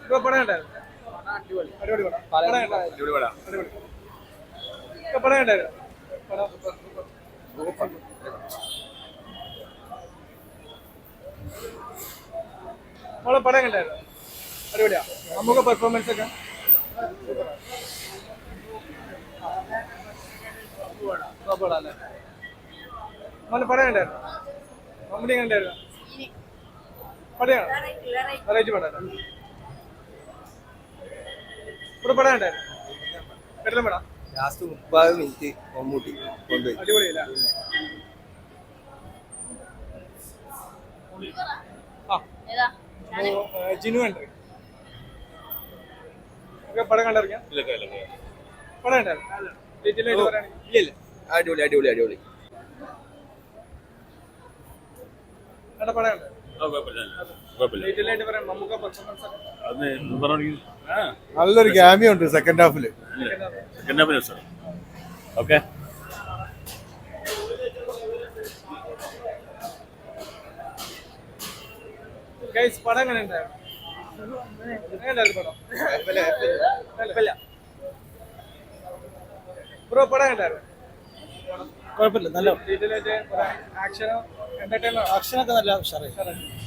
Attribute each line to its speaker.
Speaker 1: Bro പടം ഉണ്ടായിരുന്നു. അടിപൊളി പടം. പടം ഉണ്ടായിരുന്നു.
Speaker 2: അടിപൊളി പടാ.
Speaker 1: അടിപൊളി. പടം ഉണ്ടായിരുന്നു. പടം നമ്മളെ പടം ഉണ്ടായിരുന്നു. അടിപൊളിയാ. നമുക്ക് പെർഫോമൻസ് ഒക്കെ അല്ലേ. നമ്മളെ പടം ഉണ്ടായിരുന്നു. മമ്മൂട്ടി ഉണ്ടായിരുന്നു. പടയാണ്. വെറൈറ്റി പടം. ഇവിടെ പടം ഉണ്ടായിരുന്നു. പെട്ടെന്ന് പടം
Speaker 2: ലാസ്റ്റ് 30 മിനിറ്റ് മമ്മൂട്ടി കൊണ്ടുപോയി.
Speaker 1: അടിപൊളിയല്ല. ജിനു ഉണ്ട്. പടം കണ്ടിറങ്ങിയ പടം ഉണ്ടായിരുന്നു. ഡീറ്റെയിൽ ആയിട്ട് പറയുകയാണെങ്കിൽ
Speaker 2: ഇല്ല അടിപൊളി അടിപൊളി അടിപൊളി.
Speaker 1: അവിടെ പടം ഉണ്ട്. ഡീറ്റെയിൽ ആയിട്ട് പറയാം. നമുക്ക് പെർഫോമൻസ്
Speaker 3: നല്ലൊരു ക്യാമിയോ ഉണ്ട് സെക്കൻഡ് ഹാഫില്.
Speaker 4: ഓക്കെ.
Speaker 1: ഗൈസ് പടം എങ്ങനെ ഉണ്ടായിരുന്നു? ബ്രോ പടം ഉണ്ടായിരുന്നു.
Speaker 5: കുഴപ്പമില്ല, നല്ല
Speaker 1: ഡീറ്റെയിൽ ആയിട്ട് ആക്ഷനോ എന്റർടൈനോ?
Speaker 5: ആക്ഷനൊക്കെ നല്ല ഉഷാറായി.